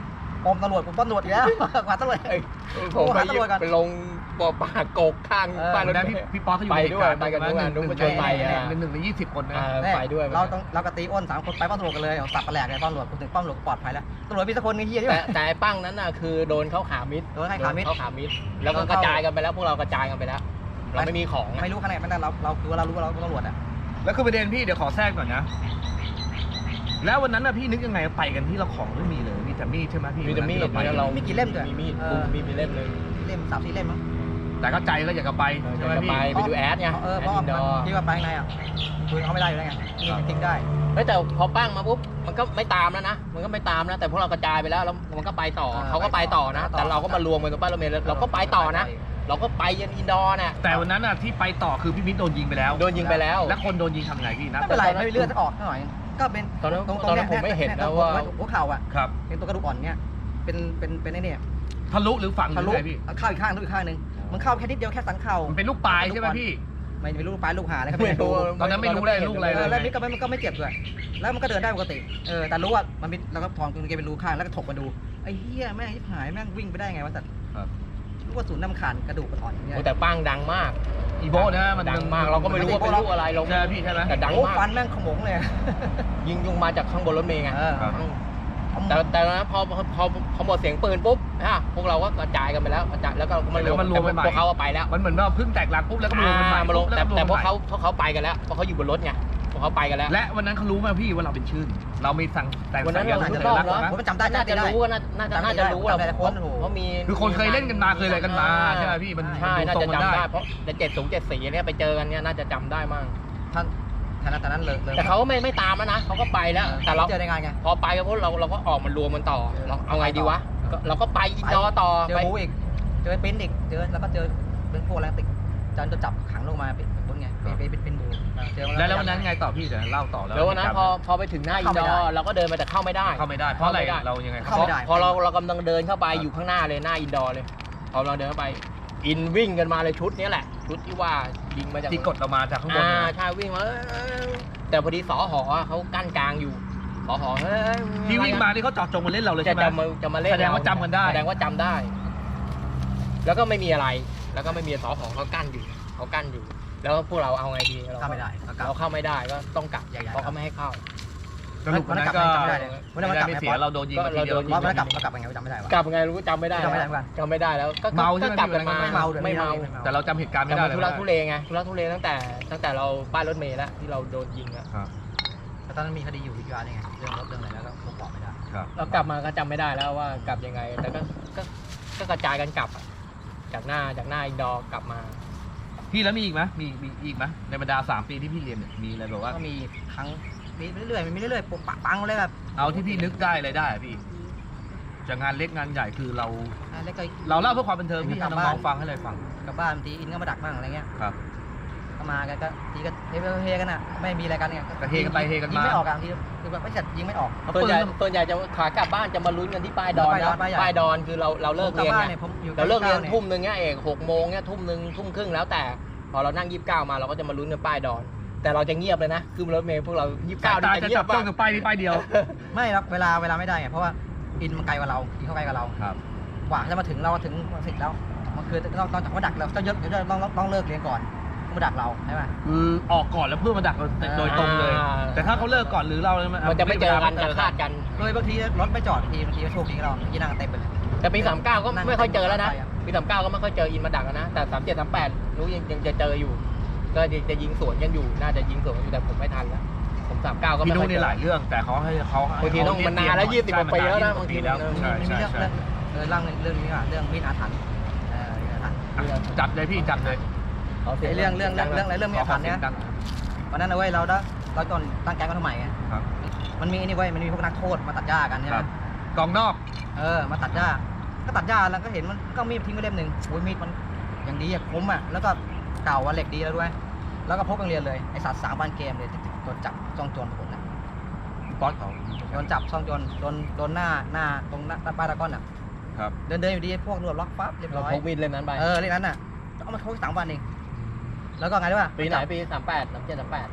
S3: มตำรวจผมตำรวจอีกแล้วกว่าตำรวจ
S4: ผม
S3: หาตำรวจก่อน
S4: ไปลงบ่อปลากกข้างบ้านรถ
S2: แล้ว
S4: เม
S2: พี่
S4: ล์
S2: ป๊อตเขาอยู่
S4: ไป
S2: ใน
S4: ด้วย
S2: เหตุ
S4: ไปกัน
S2: การณ์
S4: ด้วย
S2: หนึ่ง
S4: มาชวนไปอ่ะ
S2: หนึ่งใน20 คนนะ
S4: ไปด้วย
S3: เรากับตีอ้น3 คนไปป้อมตำรวจกันเลยสับปะแหลกเลยป้อมตำรวจคุณถึงป้อมตำรวจปลอดภัยแล้วตำรวจมีสักคนนึงเฮียใช่ไหม
S4: แต่ไอ้ปั้งนั้นน่ะคือโดนเขาขามิด
S3: โดนให้ขามิด
S4: เขาขามิดแล้วก็กระจายกันไปแล้วพวกเรากระจายกันไปแล้ว เราไม่มีของอะ
S3: ไม่รู้ขนาดนั้นเราคือว่าเรารู้ว่าเราเป็นตำรวจอ่ะ
S2: แล้วคือประเด็นพี่เดี๋ยวขอแทรกหน่อยนะแล้ววันนั้นน่ะพี่นึกยังไงไปกันที่เราของไม่มีเลยมีแต่มีดใช่ไหมพี่
S4: มีแต่มีด
S2: วันนั้นที่
S4: แล้วเรา
S3: มีกี่เล่มด้วย
S4: มีมีด
S3: เออ
S4: มีเล่มหนึง
S3: เล่ม3-4เล่มมั้ง
S2: แต่ก็ใจก็อยากจะไปใช่ไหม
S4: จะ
S2: พี่
S4: ไปดูแอดไง
S3: เพ
S4: แอด
S3: ราะ
S4: อินดอร์
S3: ที่ว่าไปข้างในอ่ะคือเขาไม่ได้อยู่แล้วไงนี่ทิ้งได้
S4: เฮ้ยแต่พอปั้งมาปุ๊บมันก็ไม่ตามแล้วนะมันก็ไม่ตามนะแต่พวกเรากระจายไปแล้วมันก็ไปต่อเขาก็ไปต่อนะ แต่เราก็มารวมกันตรงป้ายรถเมล์แล้วเราก็ไปต่อนะ เราก็ไปยันอินดอร์น่ะ
S2: แต่วันนั้นน่ะที่ไปต่อคือพี่มิ้นโดนยิงไปแล้ว
S4: โดนยิงไปแล้ว
S2: แล้วคนโดนยิงทำไงพี่นะ
S3: ไม่เป็นไรไม่มีเลือดออกหน่อยก็เป็น
S4: ตอนนั้น
S3: ตรง
S4: ตอนนั้นผมไม่เห็นนะว่า
S3: หัวเข่าอ่ะ
S2: ครับ
S3: เป็นตัวกระดูกอ่อนเนี้ยเป็นไอ้เนี่ย
S2: ทะลุหรือฝังห
S3: ทะ
S2: รือ
S3: ลุ
S2: ไงพี่
S3: เข้าอีกข้างทะลุอีกข้างนึงมันเข้าแค่นิดเดียวแค่สันเข่า
S2: มันเป็นลูกปลายใช่ไหมพี่
S3: ไม่รู้ปลายลูกหาอะไรก็
S4: ไม่
S3: ไม่
S4: รู้
S3: รู้
S2: ตอนนั้นไม่รู้เลยลูกอะไร
S3: แล้วนี่ก็ไม่เจ็บด้วยแล้วมันก็เดินได้ปกติแต่รู้ว่ามันมีแล้วก็พองตรงนี้เป็นรูข้างแล้วก็ถกมาดูไอ้เหี้ยแม่งชิบหายแม่งวิ่งไปได้ไงวะสัตว์
S2: ครับ
S3: ลูกกระสุนน้ำขาดกระดูกอ่อนเนี่ย
S4: โอ้แต่ปั้งดังมาก
S2: อีโบนะมัน
S4: ดังมากเราก็ไม่รู้ว่าเป็นลูกอะไรเรา
S2: ใช่พี่ใช่ไหม
S4: แต่ดัง
S3: โอ้
S4: มาก
S3: ฟันแม่งขโมงเลย
S4: ยิงมาจากข้างบนรถเมล์ไง
S2: ครับ
S4: แต่นะพอหมดเสียงปืนปุ๊บพวกเราก็กระจายกันไปแล้วกระจายแล้วก็มารวม
S2: กันใหม่
S4: พวกเขาไปแล้ว
S2: มันเหมือนว่าเพิ่งแตกรักปุ๊บแล้วก็มาลงกันใหม่
S4: มาลง
S2: แล้วก็
S4: แต่
S2: ม
S4: พวก
S2: กันใหม่
S4: เขาไปกันแล้วเพราะเขาอยู่บนรถไงพวกเขาไปกันแล้ว
S2: และวันนั้นเขารู้ไหมพี่ว่าเราเป็นชื่น เรามีสั่งแต่ง
S4: วันนั้น
S2: สัญ
S4: เรา
S2: ลักษณ์
S4: รู้
S2: สัญ
S4: รอบ
S2: ลักษณ์
S4: เนาะ
S2: นะ
S3: ผมจำได้
S4: น่าจะรู้ว่าน่าจะรู้ว่า
S3: จำได้คนโอ้โห
S4: เพราะมี
S2: คือคนเคยเล่นกันมาเคยอะไรกันมาใช่ไหมพี่มัน
S4: ใช่น่า
S2: ดู
S4: จะ
S2: ทรงกัน
S4: จำ
S2: ได้
S4: ได้เพราะแต่70 74เนี่ยไปเจอกันเนี่ยน่าจะจำได้มั่ง
S3: ท่านตอนนั้นเลย
S4: แต่เขาไม่ตามแล้วนะเขาก็ไปแล้วแต่เรา
S3: เจอในงานไง
S4: พอไปก็พวกเราก็ออกมารวมมันต่อเราเอาไงดีวะเราก็ไปอินดอร์ต่อ
S3: เจอ
S4: ไป
S3: บูอีกเจอปิ้นอีกเจอแล้วก็เจอเป็นพวกแรงติดจนจะจับขังลงมาเป็นคนไงเป็นบูเจอ
S2: แล้ววันนั้นไงต่อพี่เดี๋ยวเล่าต่อแล้ว
S4: แล้ววันนั้นพอไปถึงหน้าอินดอร์เราก็เดินไปแต่เข้าไม่ได้
S2: เข้าไม่ได้เพราะอะไรเรายังไง
S4: พอเรากำลังเดินเข้าไปอยู่ข้างหน้าเลยหน้าอินดอร์เลยพอเราเดินเข้าไปอินวิ่งกันมาเลยชุดนี้แหละชุดที่ว่ายิงมาจาก
S2: ที่กดเรามาจากข้างบนนะ
S4: ใช่วิ่งมาแต่พอดีสอหอเขากั้นกลางอยู่สอหอเฮ้ย
S2: ที่วิ่งมานี่เขาเจอดจงมาเล่นเราเลย
S4: จะ
S2: ใช่ไหม
S4: จะมาเล่น
S2: แสดงว่าจำกันได้
S4: แสดงว่าจำได้ แล้วก็ไม่มีอะไร แล้วก็ไม่มีสอหอเขากั้นอยู่เขากั้นอยู่ แล้วพวกเราเอาไงดี
S3: เข้าไม่ได้
S4: เราเข้าไม่ได้ก็ต้องกลับ
S3: ใหญ่ๆ
S4: เพราะเขาไม่ให้เข้า
S2: สรุปวันนั้นก็
S3: จำไม่ได้เลยวันนั้นมันกลับ
S2: ไม่
S3: ไง
S2: เสียเราโดนยิงมาทีเดียว
S3: ว่ามันกลับไงจำไม่ได้วะ
S4: กลับไงรู้จำไม่ได้
S3: จำไม่ได้เหมือนกัน
S4: จำไม่ได้แล้วก็
S2: เมาใช่ไหม
S4: ก็กลับกันมา
S3: ไม่เมาด้วย
S4: ไม่เมา
S2: แต่เราจำเหตุการณ์ไม่
S4: แต่
S2: ได้
S4: มันทุลักทุเลไงทุลักทุเลตั้งแต่เราป้ายรถเมล์แล้วที่เราโดนยิงอะ
S2: ครับ
S3: แต่ตอนนั้นมีคดีอยู่ที่ร้านไงเรื่องรถเรื่องอะไรแล้วก็ผมบอกไม่ได้
S2: ครับ
S4: เรากลับมาก็จำไม่ได้แล้วว่ากลับยังไง แต่ก็กระจายกันกลับอะจากหน้าอินดอร์กลับมา
S2: พี่แล้วมีอีกไหมมีอีกไหมในบรรดา3 ปีที่พี่เรียนเนี่ยมีอะไรแบบว่า
S3: ก็มีครั้งมีเรื่อยๆมีเรื่อยๆปุ๊บปังเลยแบบ
S2: เอาที่พี่นึกได้อะไรได้อะพี่จากงานเล็กงานใหญ่คือเรา
S3: แล้วก็
S2: เราเล่าเพื่อความบันเทิงพี่ให้น้องๆฟังให้เลยฟัง
S3: กลับบ้านบางทีอินก็มาดักบ้างอะไรเงี้ย
S2: ครับ
S3: ก็มากันก็ทีก็เฮกันอ่ะไม่มีอะไรกันเนี่ย
S2: ก็เฮกันไปเฮกันมายิ
S3: งไม่ออกอ่ะทีคือแบบไม่จัดยิงไม่ออก
S4: ส่วนใหญ่จะขากลับบ้านจะมาลุ้นกันที่ป้ายดอนนะ
S3: ป้ายดอน
S4: ป้ายดอนคือเราเลิกเรียน
S3: ผมกลับบ้าน
S4: ไง
S3: เนี่ยผมอยู่
S4: เราเลิกเรียน
S3: 99
S4: ทุ่มหนึ่งเนี่ยเอก6 โมงเนี่ยทุ่มหนึ่งทุ่มครึ่งแล้วแต่พอเรานั่ง29มาเราก็จะมาลุ้นกันป้ายดอน แต่เราจะเงียบเลยนะคือรถเมล์พวกเรา29
S2: ตา
S4: นี่
S2: จะ
S4: จะเงีย
S2: จั
S4: บบ
S2: จ้องกับป้ายนี้ป้ายเดียว
S3: ไม่ครับเวลาไม่ได้ไงเพราะว่าอินมันไกลกว่าเราอินเข้าไกลกว่าเรา
S2: ครับ
S3: กว่าจะมาถึงเราถึงสิทธิ์แล้วมันคือต้องจากว่าดักเราต้องเยอะต้องเลิกเรียนก่อนมาดักเราใช่ไหม
S2: คือออกก่อนแล้วเพื่อมาดักเราโดยตรงเลย แต่ถ้าเขาเลิกก่อนหรือเราเนี่ย
S4: มันจะไม่เจอกันจะคาดกัน
S3: เลยบางทีรถไม่จอดบางทีก็โชคดีกับเราที่นั่งเต็มไปเลย
S4: แต่ปี39ก็ไม่ค่อยเจอแล้วนะปี39ก็ไม่ค่อยเจออินมาดักแล้วนะแต่37 38รู้ยังจะเจออยู่ ก็จะยิงสวนกันอยู่น่าจะยิงสวนกันอยู่แต่ผมไม่ทันแล้วผม39ก็
S2: พี่
S4: ไม่
S2: นุ๊
S4: ค่อย
S2: นี่
S4: เจอ
S2: หลายเรื่องแต่เขาให้เขา
S4: บางทีต้องมันนานแล้ว20 กว่าปีแล้วนะบางที
S2: แล้ว
S3: มี
S2: ใช่
S3: มี
S2: ใช่
S3: เรื่อง
S2: ใช่
S3: เรื่องนี้ว่ะเรื่องมีดอาถรรพ์มีดอาถรรพ์
S2: จับเลยพี่จับเลย
S3: ไอ้เรื่องมีดอาถรรพ์เนี่ยวันนั้นเอาไว้เราตอนตั้งแก๊งกันทำไมไง
S2: ครับ
S3: มันมีนี่ไว้มันมีพวกนักโทษมาตัดหญ้ากันใช่ไหม
S2: กองนอก
S3: มาตัดหญ้าก็ตัดหญ้าแล้วก็เห็นมันก็มีดทิ้งไว้เล่มหนึ่งโอ้ยมีดมันอย่างดีอะคมอะแล้วก็เก่าเหล็กดีแล้วด้วยแล้วก็พกโรงเรียนเลยไอสัตว์3 วันเกมเลยโดนจับซ่องโจรผลนะ
S2: ป๊อตเขา
S3: โดนจับซ่องโจรโดนหน้าตรงหน้าป้ายตะก้อนอ่ะ
S2: ครับ
S3: เดินอยู่ดีพวกตำรวจล็อกปั๊บเรียบ
S4: เรา
S3: ร้อย
S4: พกมีดเล่มนั้นไป
S3: เรื่องนั้นน่ะเอามาโทษ3 วันเองแล้วก็ไงด้วย
S4: ปีไหนปี38 37 38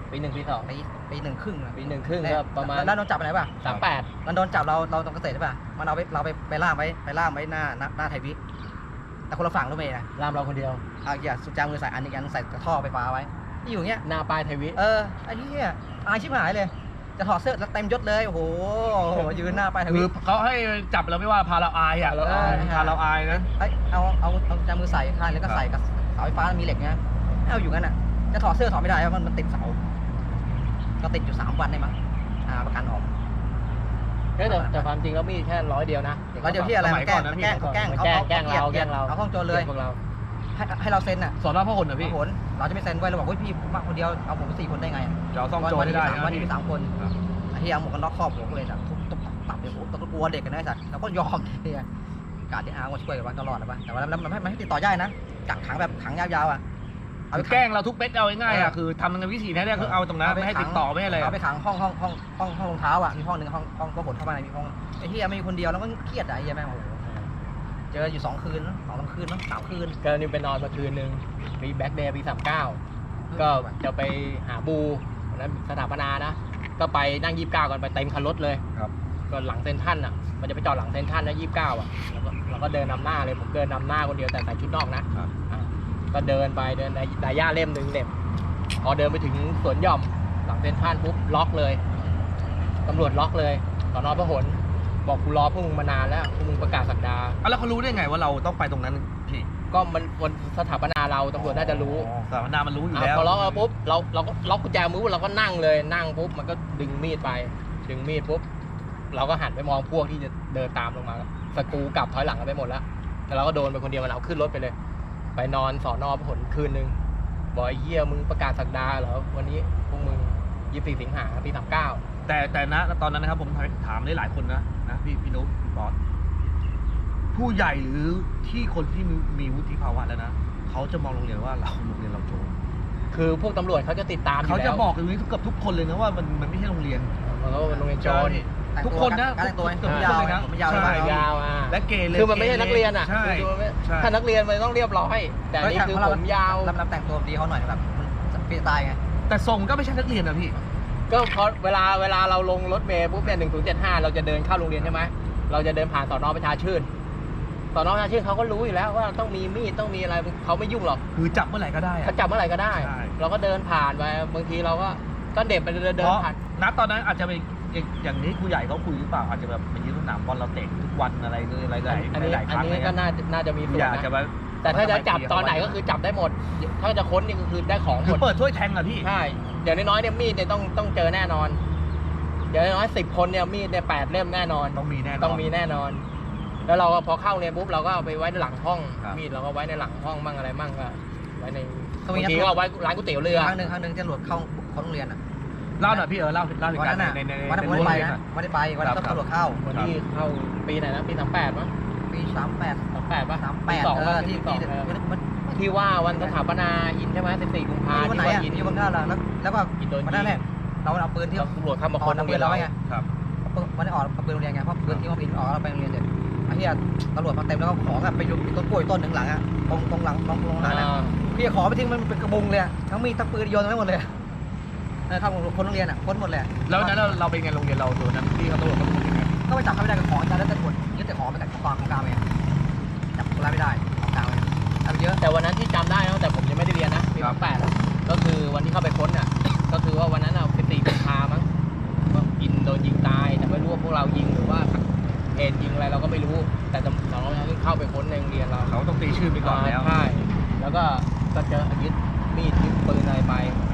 S4: ปี 1 ปี 2
S3: ปี1 ครึ่งอะ
S4: ปี 1 ครึ่งก็ประมาณ
S3: แล้วโดนจับไปไหนป่ะ
S4: 38
S3: มันโดนจับเราตรงเกษตรใช่ป่ะมันเอาไปล่ามไว้หน้าไทยวิแต่คนละฝั่งรู้ไหมนะ
S4: รามเราคนเดียว
S3: เอาอย่าสุดจามือใส่อันอีกอันใส่กระท่อไฟฟ้าไว้ที่อยู่เงี้ย
S4: หน้าป้ายไทยวิ
S3: ไอ้เหี้ยอายชิบหายเลย จะถอดเสื้อแล้วเต็มยศเลยโอ้โหยืนหน้าไปท
S2: คื
S3: วี
S2: อเขาให้จับเราไม่ว่าพาเราอายอ่ะพาเราอายนะ
S3: เอาจามือใส่ข้างแล้วก็ใส่กับเสาไฟฟ้ามีเหล็กเงี้ยเอาอยู่งั้นอ่ะจะถอดเสื้อถอดไม่ได้เพราะมันติดเสาก็ติดอยู่3 วันได้มั้งประกันออก
S4: แต่ความจริงแล้วมีแค่100 เดียวนะ
S3: แล้วเดี๋ยวที่อะไรมาแกล้งเราเอาห้องโจรเลย
S4: พวกเรา
S3: ให้เราเซ็นอ่ะ
S2: สอนอพหลนะพี่
S3: ผลเราจะไม่เซ็นไว้เราบอกว่าพี่ผมมาคนเดียวเอาผม4 คนได้ไง
S2: จะเอาซ่องโจรให้ได้
S3: วันนี้มี
S2: นะ
S3: 3 คนไอ้เหี้ยเอาหมวกกันน็อกครอบหัวกูเลยสัตว์ทุบตับเลยโอ้ต้องกลัวเด็กกันนะสัตว์เราก็ยอมเฮียการที่อาร์มาช่วยกันตลอดนะป่ะแต่ว่ามันให้ติดต่อยากนะกักขังแบบขังยาวๆอ่ะ
S2: คือแกล้งเราทุกเม็ดเอาง่ายๆอ่ะคือทำในวิธีนี้เนี่ยคือเอาตรงนั้นไม่ให้ติดต่อไม่ให้อะไร
S3: เอาไปขังห้องรองเท้าอ่ะมีห้องนึงห้องก็ขนเข้ามาในมีห้องไอ้เหี้ยไม่มีคนเดียวแล้วก็เครียดอ่ะไอ้เหี้ยแม่งโอ้โหเจออยู่2 คืน2-3 คืน3 คืน
S4: ก็นี่ไปนอนมาคืนนึงมีแบ็คเดย์ปี 39 ก็จะไปหาบูวันนั้นสถาปนานะ ก็ไปนั่ง 29 กันไปเต็มคันรถเลย
S2: ครับ
S4: ก็หลังเซ็นทรัลอ่ะมันจะไปจอดหลังเซ็นทรัลนะ29 อ่ะเราก็เดินนำหน้าเลยผมเดินนำหน้าคนเดียวแต่ใส่ชุดนอกนะก็เดินไปเดินในย่าเล่มหนึ่งเหน็บพอเดินไปถึงสวนหย่อมหลังเซ็นทรัลปุ๊บล็อกเลยตำรวจล็อกเลยสน.พหลบอกกูรอพวกมึงมานานแล้วพวกมึงประกาศสักดา
S2: แล้วเขารู้ได้ไงว่าเราต้องไปตรงนั้นพี่
S4: ก็มันวันสถาปนาเราตำรวจน่าจะรู้
S2: สถาปนามันรู้อยู่แล้ว
S4: พอล็อกแล้วปุ๊บเราก็ล็อกกุญแจมือเราก็นั่งเลยนั่งปุ๊บมันก็ดึงมีดไปดึงมีดปุ๊บเราก็หันไปมองพวกที่จะเดินตามลงมาสกรูกลับถอยหลังกันไปหมดแล้วแต่เราก็โดนไปคนเดียวมันเอาขึ้นรถไปเลยไปนอนสน.พหลคืนนึงบอกไอ้เหี้ยมึงประกาศสักดาเหรอวันนี้พวกมึง24 สิงหาปี 39
S2: แต่นะตอนนั้นนะครับผมถามได้หลายคนนะพี่นุ๊กพี่ป๊อตผู้ใหญ่หรือที่คนที่มีวุฒิภาวะแล้วนะเขาจะมองโรงเรียนว่าเราโรงเรียนเราโจร
S4: คือพวกตำรวจเขาจะติดตามอยู่
S2: เขา
S4: แล้ว
S2: จะบอกกันนี้เกือบทุกคนเลยนะว่ามันไม่ใช่โรงเรียน
S4: มันก็เป็นโรงเรียนโจร
S2: ทุกคนนะ
S3: การแต่งตัว
S2: ทุกคน
S3: ยาว
S2: เลยนะ
S3: ผมยาวเลย
S2: ใช่
S4: ยาว
S2: และเกเร
S4: คือมันไม่ใช่นักเรียนอ่ะ
S2: ใช่
S4: คือมันไม่
S2: ใช่
S4: ถ้านักเรียนมันต้องเรียบร้อยแต่อันนี่คือผมยาว
S3: รับแต่งตัวดีเขาหน่อยแบบมันฟรีสไตล์ไง
S2: แต่ทรงก็ไม่ใช่นักเรียนนะพี่
S4: ก็เพราะเวลาเราลงรถเมล์ปุ๊บเนี่ย1075เราจะเดินเข้าโรงเรียนใช่ไหมเราจะเดินผ่านสน.ประชาชื่นสน.ประชาชื่นเขาก็รู้อยู่แล้วว่าต้องมีมีดต้องมีอะไรเขาไม่ยุ่งหรอก
S2: คือจับเมื่อไหร่ก็ได้อะ
S4: เขาจับเมื่อไหร่ก็ได้
S2: ใช่
S4: เราก็เดินผ่านไปบางทีเราก็เด็บไปเดิน
S2: เพราะ
S4: ผ่าน
S2: ณตอนนั้นอาจจะเป็นอย่างนี้ครูใหญ่เขาคุยหรือเปล่าอาจจะแบบมายืนสนามบอลเราเตะทุกวันอะไรเลยหลาย
S4: อันนี้
S2: หลายครั้ง
S4: ก็น่าจะมี
S2: ครู
S4: ส่ว
S2: ให
S4: น
S2: ญ่อาจจะ
S4: นะ
S2: แบบ
S4: แต่ถ้าจะจับตอนไหนก็คือจับได้หมด ถ้าจะค้นนี่ก็คือได้ของห
S2: คื
S4: ม
S2: อ
S4: ด
S2: เปิดถ้วยแทงอะพี่
S4: ใช่เดี๋ยวน้อยๆเนี่ยมีดเนี่ยต้องเจอแน่นอนเดี๋ยวน้อย10 คนเนี่ยมีดเนี่ย8 เล่มแน่นอน
S2: ต้องมีแน่นอน
S4: ต้องมีแน่นอน แล้วเราก็พอเข้าเรียนปุ๊บเราก็เอาไปไว้ในหลังห้อง
S2: ครับ
S4: มีดเราก็ไว้ในหลังห้องบ้างอะไรบ้างก็ไว้ใน
S3: เขามี
S4: บางทีก็เอาไว้ร้านก๋วยเตี๋ยวเรือ
S3: ครั้งหนึ่งจะหลวดเข้าโรงเรียนอ่ะ
S2: เล่าหน่อยพี่เล่าเหตุ
S3: วัน
S2: การ
S3: นั้น
S2: ณ์
S3: อ่ะ
S2: ใน
S3: วันนั้นผมไม่ได้ไปนะไม่ได้ไปวันนั้นตำรวจเข้า
S4: วันที่เข้าปีไหนนะปี38มั้ง
S3: ปี38
S4: 38ป่ะ
S3: 38
S4: ที่
S3: ที่
S4: 2
S3: มัน
S4: ที่ว่าวันสถาปนาอินใช่ไหม14 กุมภาพันธ์
S3: วันไหนอ่ะอยู่บางท่าแล้วก็
S4: อินโดน
S3: วันนั้นแหละเราเอาปืนที่
S4: ตำรวจเข้ามาค้นโรงเรียนเรา
S3: ไง
S2: ครับ
S3: วันนี้ออกเอาปืนโรงเรียนไงเพราะปืนที่ว่าปืนออกเราไปโรงเรียนเสร็จไอ้เหี้ยตำรวจมาเต็มแล้วก็ของอะไปอยู่ต้นกล้วยต้นหนึ่งหลังอ่ะตรงหลังตรงหลังอ่ะพี่ขอไปทิ้งมันเป็นกระบุงเลยทั้งมีทั้งปืนโยนทั้งหมดเลยเข้าคนโรงเรียนอ่ะค้นหมดเลย
S2: แล้วนั้นเราเป็นไงโรงเรียนเราตัวนั้นที่เขาตำรวจเขาเป็นยังไง
S3: ก็ไปจับเขาไม่ได้กับของอาจารย์แล้วแต่กดยึดแต่ของไปแต่ของกลางเองจับคนร้ายไม่ได้ของกลางเลยทำเยอะ
S4: แต่วันนั้นที่จำได้นะแต่ผมยังไม่ได้เรียนนะปี38ก็คือวันที่เข้าไปค้นอ่ะก็คือว่าวันนั้นเรา14 กุมภาพันธ์มั้งก็อินโดนยิงตายแต่ไม่รู้ว่าพวกเรายิงหรือว่าเหตุยิงอะไรเราก็ไม่รู้แต่เราเข้าไปค้นในโรงเรียนเรา
S2: เขาต้องตีชื่อไปก่อนแล้ว
S4: ใช่แล้วก็เจอยึดมีดยึดปืนอะไรไป